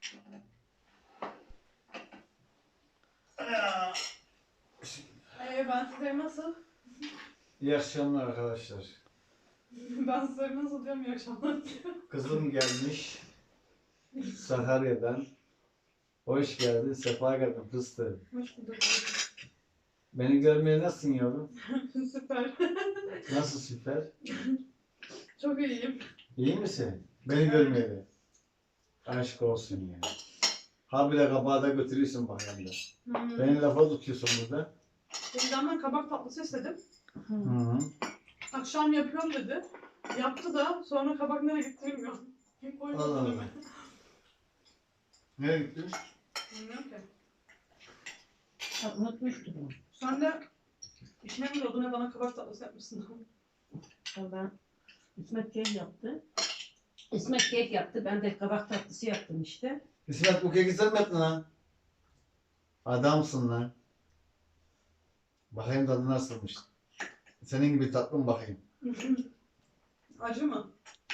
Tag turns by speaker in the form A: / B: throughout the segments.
A: Ben sizleri nasıl?
B: İyi akşamlar arkadaşlar.
A: Ben sizleri nasıl diyorum, iyi akşamlar diyorum.
B: Kızım gelmiş Sakarya'dan. Hoş geldin, sefa geldin fıstığım.
A: Hoş bulduk.
B: Beni görmeye nasılsın yavrum?
A: Süper.
B: Nasıl süper?
A: Çok iyiyim.
B: İyi misin? Beni görmeye de. Aşk olsun ya. Habire kabağı da götürüyorsun bak hem de. Beni lafa tutuyorsun burada.
A: Benden kabak tatlısı istedim.
B: Hı hı.
A: Akşam yapıyorum dedi. Yaptı da sonra kabak nereye gitti bilmiyorum. Kim koydu
B: Allah Allah.
A: önüme?
B: Nereye gittin?
A: Bilmiyorum ki.
C: Unutmuştum onu.
A: Sen de işine mi doldun, bana kabak tatlısı yapmışsın.
C: Ben İsmet kek yaptı. İsmet kek yaptı. Ben de kabak tatlısı yaptım işte.
B: İsmet bu keki sen mi yaptın lan? Adamsın lan. Bakayım tadı nasılmış. Senin gibi tatlı mı bakayım?
A: Acı mı?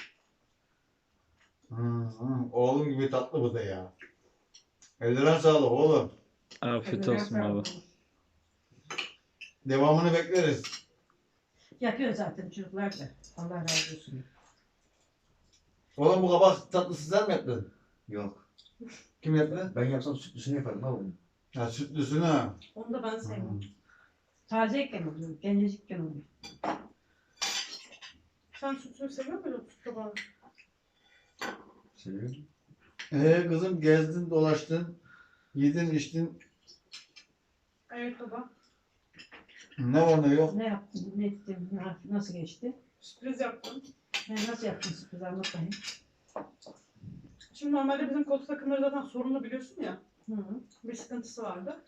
B: Oğlum gibi tatlı bu da ya. Eldiren sağlık oğlum.
D: Afiyet olsun baba.
B: Devamını bekleriz.
C: Yapıyor zaten çocuklar da. Allah razı olsun.
B: Oğlum bu kabak tatlısı sen mi yaptın?
E: Yok.
B: Kim yaptı?
E: Ben yapsam sütlüsünü yaparım abi.
B: Ha sütlüsünü ha.
A: Onu da ben sevmem.
C: Tazeyken oluyor. Gencecikken oluyor.
A: Sen sütünü seviyor muydun süt kabağı?
E: Seviyorum.
B: Kızım gezdin dolaştın. Yedin içtin.
A: Evet baba.
B: Ne var ne yok.
C: Ne yaptın? Ne ettin? Nasıl geçti?
A: Sürpriz yaptım.
C: Nasıl yaptın sürpriz anlat bakayım.
A: Şimdi normalde bizim koltuk takımları zaten sorunlu biliyorsun ya.
C: Hı hı.
A: Bir sıkıntısı vardı.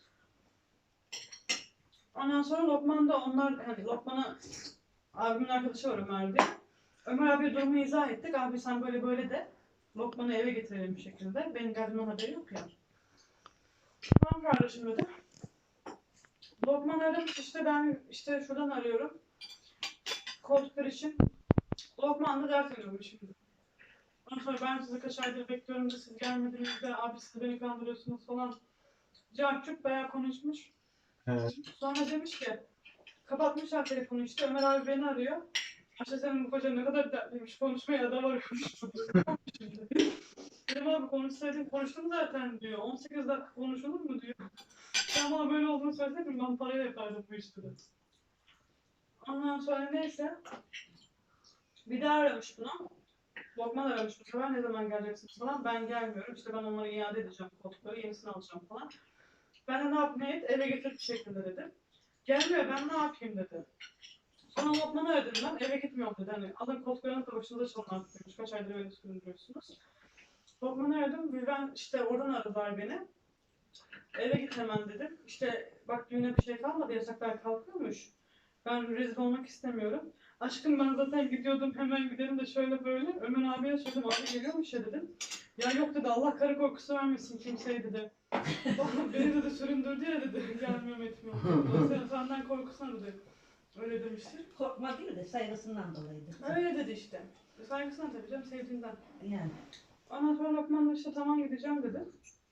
A: Ondan sonra Lokman'da onlar, hani Lokman'a abimin arkadaşı var Ömer diye. Ömer abiye durumu izah ettik. Abi sen böyle böyle de Lokman'ı eve getirelim bir şekilde. Benim geldiğimden haberi yok ya. Tamam kardeşim dedi. Lokman aramış, işte ben işte şuradan arıyorum. Koltuklar için. Lokman da dert ediyormuş şimdi. Ondan sonra ben sizi kaç aydır bekliyorum da siz gelmediniz de abi siz beni kandırıyorsunuz falan. Cahçuk bayağı konuşmuş.
B: Evet.
A: Sonra demiş ki kapatmışlar telefonu, işte Ömer abi beni arıyor. İşte senin bu kocan ne kadar dertliymiş, konuşmaya da varıyormuş. Dedim abi konuştum zaten diyor. 18 dakika konuşulur mu diyor. Sen bana böyle olduğunu söyleseydin ben parayla yapardım bu işleri. Ondan sonra neyse. Bir daha aramış bunu. Lokman aramış bu sefer, ne zaman geleceksiniz falan. Ben gelmiyorum, işte ben onları iade edeceğim koltukları, yenisini alacağım falan. Ben de ne yap ne et, eve getir bir şekilde dedim. Gelmiyor, ben ne yapayım dedi. Sonra Lokman'ı aradım ben, eve gitmiyorum dedi. Hani alın koltuklarını da başınıza çalın artık demiş. Kaç aydır öyle süründürüyorsunuz. Lokman'ı aradım, ben işte oradan aradılar beni. Eve git hemen dedim. İşte bak düğüne bir şey kalmadı, yasaklar kalkıyormuş. Ben rezil olmak istemiyorum. Aşkım ben zaten gidiyordum, hemen gidelim de şöyle böyle. Ömer abiye söyledim, abi geliyormuş ya dedim. Ya yok dedi, Allah karı korkusu vermesin kimseye dedi. Beni dedi süründürdü ya dedi, gelmiyorum etmiyorum. Sen senden korkusana dedi. Öyle demiştir.
C: Korkma değil de saygısından dolayıydı.
A: Öyle dedi işte. Saygısına tabii canım, sevdiğinden.
C: Yani.
A: Ondan sonra Lokman da işte tamam gideceğim dedi.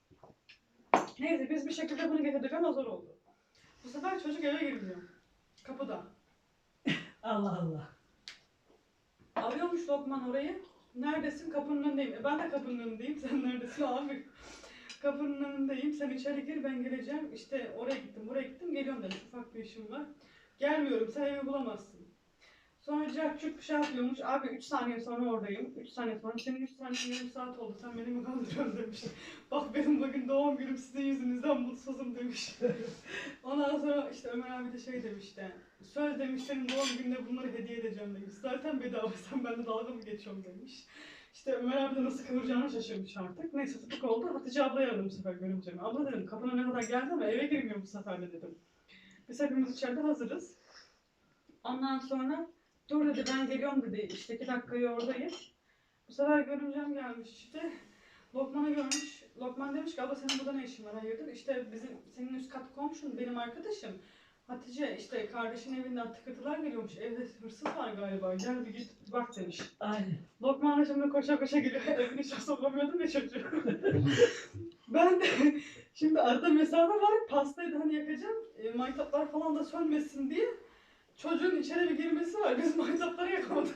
A: Neyse biz bir şekilde bunu getirdik ama zor oldu. Bu sefer çocuk eve girmiyor. Kapıda.
C: Allah Allah.
A: Arıyormuş Lokman orayı. Neredesin? Kapının önündeyim. Ben de kapının önündeyim. Sen neredesin abi? Kapının önündeyim. Sen içeri gir, ben geleceğim. İşte oraya gittim, buraya gittim. Geliyorum dedim. Ufak bir işim var. Gelmiyorum. Sen evi bulamazsın. Sonra Cahçuk bir şey yapıyormuş. Abi 3 saniye sonra oradayım. 3 saniye sonra. Senin 3 saniye yarım saat oldu. Sen beni mi kandırıyorsun demiş. Bak benim bugün doğum günüm, sizin yüzünüzden mutsuzum demiş. Ondan sonra işte Ömer abi de şey demişti. Söz demiş, senin doğum gününe bunları hediye edeceğim demiş. Zaten bedava, sen benimle dalga mı geçiyorsun demiş. İşte Ömer abi de nasıl kıvıracağını şaşırmış artık. Neyse tutuk oldu. Hatice ablayı aradım bu sefer görümcemi. Abla dedim kapına ne kadar geldi ama eve girmiyor bu sefer de dedim. Biz hepimiz içeride hazırız. Ondan sonra dur dedi, ben geliyorum dedi. İşte 2 dakikaya oradayım. Bu sefer görümcem gelmiş işte. Lokman'ı görmüş. Lokman demiş ki abla senin burada ne işin var, hayırdır? İşte senin üst kat komşun benim arkadaşım. Hatice işte kardeşin evinden tıkırtılar geliyormuş. Evde hırsız var galiba. Gel bir git bak demiş.
C: Aynen.
A: Lokman da şimdi koşa koşa geliyor. Evin içine sokamıyordum ya çocuğu. Ben de şimdi arada mesafe var. Pastayı da hani yakacağım. Maytaplar falan da sönmesin diye. Çocuğun içeri bir girmesi var. Biz maytapları yakamadık.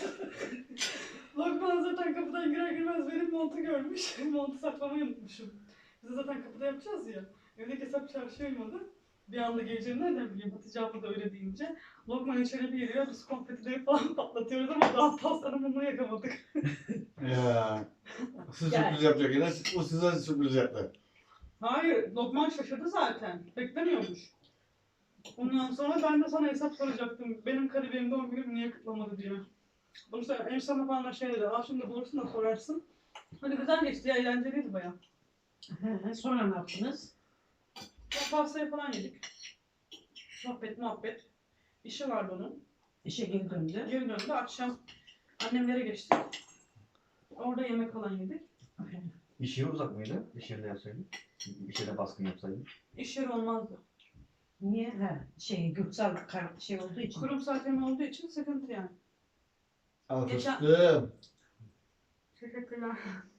A: Lokman zaten kapıdan girer girmez benim montu görmüş. Montu saklamayı unutmuşum. Biz de zaten kapıda yapacağız ya. Evdeki hesap çarşı uymadı. Bir anda geleceğini nereden bileyim Hatice abla da öyle deyince. Lokman içeri bir giriyor. Biz konfetileri falan patlatıyoruz ama daha pastanın mumunu yakamadık.
B: Ya. Siz
C: Gel.
B: sürpriz yapacak yine. O size sürpriz yaptı.
A: Hayır, Lokman şaşırdı zaten. Beklemiyormuş. Ondan sonra ben de sana hesap soracaktım. Benim kariyerim doğum günüm niye kutlamadı diye. Bunu sen en sana falan da şey dedi. Aa şimdi bulursun da sorarsın. Hani güzel geçti ya, eğlenceliydi baya.
C: Sonra ne yaptınız?
A: Pastayı falan yedik. Sohbet, muhabbet. İşi vardı onun.
C: İşe geri döndü.
A: Geri döndü. Akşam annemlere geçtik. Orada yemek falan yedik.
E: İş yeri uzak mıydı? İş yerinde yapsaydın. İş yerine baskın yapsaydın.
A: İş yeri olmazdı.
C: Niye? Gürsal şey olduğu için.
A: Kurumsal tema olduğu için sıkıntı yani.
B: Al
A: Geçen-
B: fıstığım.
A: Teşekkürler.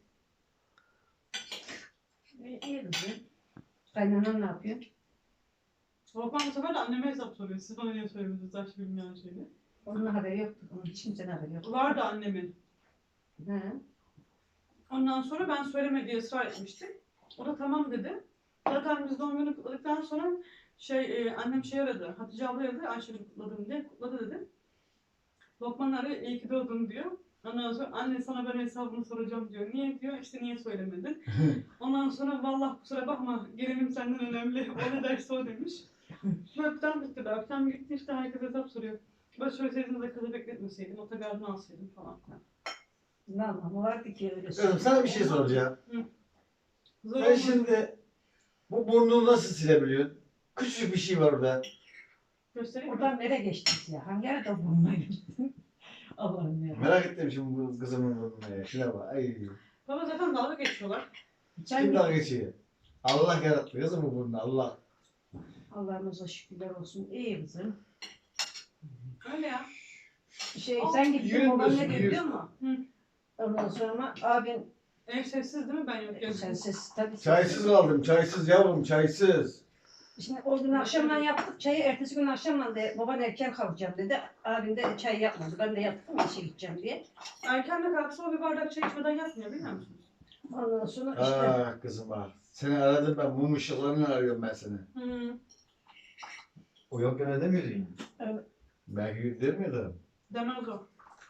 C: İyi kızım. Kaynanan ne yapıyor?
A: Lokman bu sefer de anneme hesap soruyor. Siz bana niye söylemediniz yaş bilmeyen şeyini?
C: Onun haberi yoktu. Onun hiç kimsenin haberi yoktu.
A: Vardı annemin.
C: He.
A: Ondan sonra ben söyleme diye ısrar etmiştim. O da tamam dedi. Zaten biz doğum günü kutladıktan sonra annem şey aradı. Hatice abla aradı. Ayşe'yi kutladım diye. Kutladı dedi. Lokman arıyor. İyi ki doğdun diyor. Ondan sonra anne sana ben hesabını soracağım diyor. Niye diyor? İşte niye söylemedin? Ondan sonra vallahi kusura bakma gelinim senden önemli. O ne derse o demiş. Öpten bitti. Öpten gitti işte herkes hesap soruyor. Ben söyleseydiniz de kızı bekletmeseydim. Otogarını alsaydım falan.
C: Ne anlamı vardı ki öyle
B: Kızım sana bir şey soracağım.
A: Zor
B: Sen
A: olmadı.
B: şimdi bu burnunu nasıl silebiliyorsun? Küçücük bir şey var orada.
A: Göstereyim mi?
C: Oradan nereye geçtiniz ya? Hangi arada bulunmaya gittin? Allah'ım ya.
B: Merak ettim şimdi bu kızımın burnuna ya. Şuna bak. Ay.
A: Baba zaten dalga geçiyorlar.
C: Sen
B: Kim dalga geçiyor? Allah yarattı kızım bu burnunu. Allah.
C: Allah'ımıza şükürler olsun. İyi kızım.
A: Öyle ya.
C: Sen gittin
B: yürütmüyorsun,
C: baban ne diyor
B: yürü.
C: biliyor musun?
A: Hı.
C: Ondan sonra abin
A: Ev sessiz değil mi ben yokken?
C: sen ses tabii.
B: Çaysız kaldım. Çaysız yavrum. Çaysız.
C: Şimdi o gün akşamdan yaptık çayı. Ertesi gün akşamdan da baban erken kalkacağım dedi. Abim de çay yapmadı. Ben de yaptım işe gideceğim diye.
A: Erken de kalksa o bir bardak çay içmeden yatmıyor biliyor musunuz?
C: Ondan sonra işte
B: Ah kızım ah. Seni aradım ben. Mum ışıklarını arıyorum ben seni.
A: Hı.
E: O yokken ödemiyordu yine.
B: Belki demiyordum.
A: Demez o.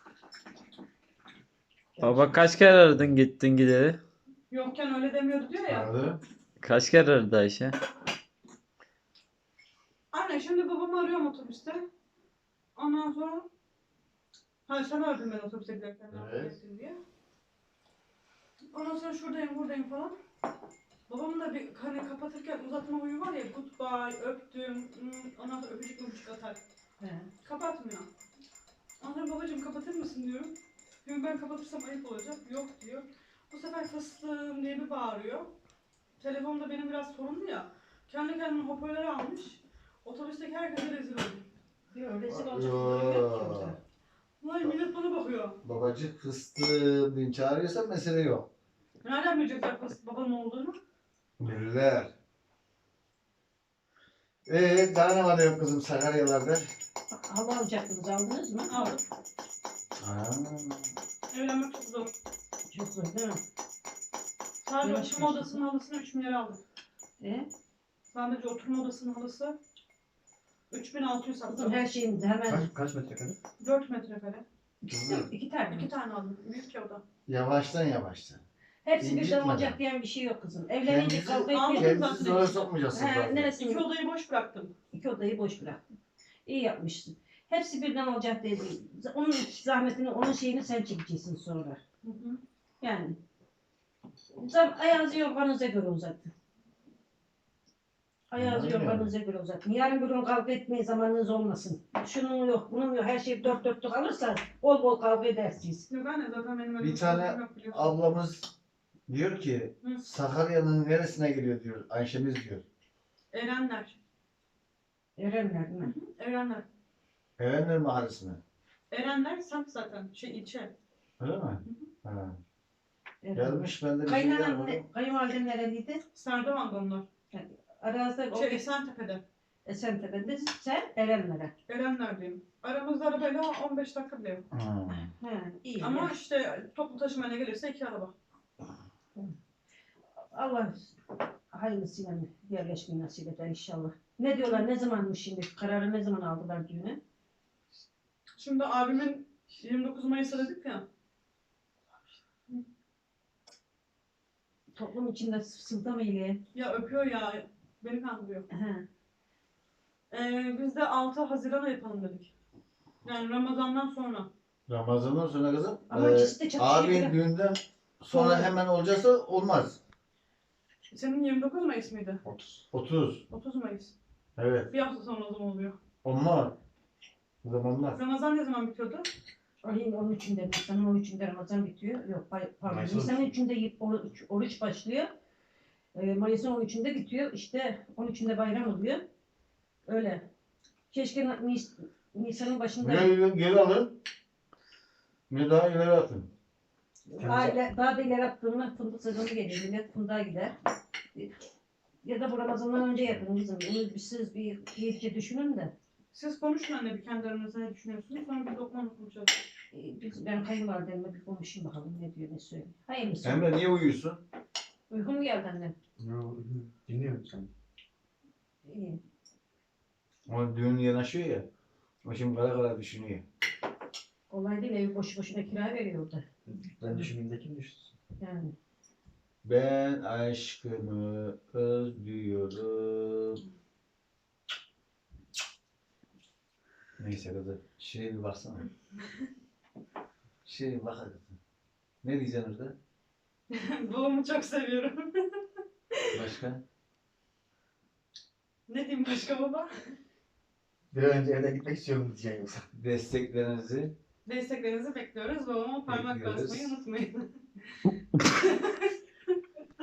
D: Baba kaç kere aradın gittin gideri?
A: Yokken öyle demiyordu diyor ya.
B: Aradı.
D: Kaç kere aradı Ayşe?
A: Anne şimdi babamı arıyorum otobüste. Ondan sonra sen aradın ben otobüse giderken ne
B: Evet.
A: yapacaksın diye. Ondan sonra şuradayım buradayım falan. Babamın da bir hani kapatırken uzatma huyu var ya goodbye, öptüm, ondan sonra öpücük atar.
C: he.
A: Kapatmıyor. Ondan sonra babacığım kapatır mısın diyorum. Çünkü ben kapatırsam ayıp olacak. Yok diyor. Bu sefer fıstığım diye bir bağırıyor. Telefonda benim biraz sorunlu ya. Kendi kendine hoparlörü almış. Otobüsteki herkese rezil oldu.
C: Diyor rezil olacak durum yok ki orada.
A: Vay millet bana bakıyor.
B: Babacık fıstığım diye çağırıyorsan mesele yok.
A: Nereden bilecekler babamın olduğunu?
B: Bilirler. Daha ne var da yok kızım Sakaryalarda?
C: Hava alacaktınız aldınız mı?
A: Aldım.
B: Aa,
A: Evlenmek çok zor.
C: Çok zor değil mi?
A: Sadece
C: Yavaş
A: oturma
C: yavaş.
A: odasının halısını 3 milyar aldım. Sadece oturma odasının halısı 3600
C: Kızım
A: sattım.
C: her şeyin hemen
E: Kaç metrekare?
A: 4 metrekare.
C: iki tane.
A: 2 tane aldım. Büyük ya oda.
B: yavaştan yavaştan.
C: Hepsi birden
B: İncitmeden.
C: olacak diyen bir şey yok kızım. Evlenince
B: Kendinizi-
C: kavga
A: Aldım.
C: etmeyin.
B: Kendinizi zora sokmayacaksınız
C: He,
B: zaten.
C: neresini?
A: 2 odayı boş bıraktım.
C: İki odayı boş bıraktın. İyi yapmışsın. Hepsi birden olacak dedi. Onun zahmetini, onun şeyini sen çekeceksin sonra.
A: Hı hı.
C: Yani. Ayağınızı yorganınıza göre uzatın. Ayağınızı
B: Aynen.
C: yorganınıza göre uzatın. Yarın bir gün kavga etmeye zamanınız olmasın. Şunun yok, bunun yok. Her şey dört dörtlük alırsa bol bol kavga edersiniz.
A: Yok anne zaten benim
B: Bir
A: elimde
B: tane
A: sorunum yok biliyorsun.
B: ablamız diyor ki
A: Hı.
B: Sakarya'nın neresine geliyor diyor. Ayşemiz diyor.
A: Erenler.
C: Erenler değil mi?
A: Erenler.
B: Erenler mahallesine.
A: Erenler semt zaten. Ilçe.
B: Öyle mi? Ha. Gelmiş ben de bir şey
C: Kayınvaliden
B: yapmadım.
C: kayınvaliden nereliydi?
A: Serdivan'da onlar.
C: Arazide o
A: Esentepe'de.
C: Esentepe'de, sen Erenler'e.
A: Erenler'deyim. Aramızda arabayla 15 dakika bile yok.
C: He, iyi.
A: Ama
C: ya.
A: işte toplu taşımayla gelirse 2 araba.
C: Allah hayırlısıyla yerleşmeyi nasip eder inşallah. Ne diyorlar, ne zamanmış şimdi? Kararı ne zaman aldılar düğüne?
A: Şimdi abimin 29 Mayıs'ı dedik ya.
C: Toplum içinde sızda mı ile?
A: Ya öpüyor ya. Beni kandırıyor.
C: He.
A: Biz de 6 Haziran'a yapalım dedik. Yani Ramazan'dan sonra.
B: Ramazan'dan sonra kızım.
C: Ama ikisi de çok
B: Abi
C: iyi.
B: düğünden sonra
C: Doğru.
B: hemen olacaksa olmaz.
A: Senin 29 Mayıs mıydı?
E: 30.
B: 30.
A: 30 Mayıs.
B: Evet.
A: Bir hafta sonra o zaman oluyor.
B: Olmaz. O zaman olmaz.
A: Ramazan ne zaman bitiyordu?
C: Ayın 13'ünde, Nisan'ın 13'ünde Ramazan bitiyor. Yok, pardon.
E: Mayıs'ın
C: Nisan'ın 3'ünde oruç başlıyor. Mayıs'ın 13'ünde bitiyor. İşte 13'ünde bayram oluyor. Öyle. Keşke Nisan'ın başında
B: Geri alın. Ne daha ileri atın.
C: daha da ileri attığımda fındık sezonu gelir. Millet fındığa gider. Ya da bu Ramazan'dan önce yapın kızım. Bunu siz bir iyice düşünün de.
A: Siz konuşun anne bir kendi aranızda ne düşünüyorsunuz? Sonra bir lokman konuşacağız.
C: Ben kayınvalidemle bir konuşayım bakalım ne diyor ne söylüyor. Hayırlısı.
B: Emre niye uyuyorsun?
C: Uygun mu geldi annem?
E: Dinliyorum sen.
C: İyi.
B: O düğün yanaşıyor ya. O şimdi kara kara düşünüyor.
C: Kolay değil, evi boşu boşuna kira veriyor orada.
E: Ben düşündüğümde kim düşünsün?
C: Yani.
B: Ben aşkımı özlüyorum. Neyse kızım. Şuraya bir baksana. Şuraya bir bak hadi. Ne diyeceksin orada?
A: Babamı çok seviyorum.
B: Başka?
A: Ne diyeyim başka baba?
E: Bir an önce evden gitmek istiyorum diyeceksin yoksa.
B: Desteklerinizi
A: Desteklerinizi bekliyoruz. Babama parmak
B: Bekliyoruz.
A: basmayı unutmayın.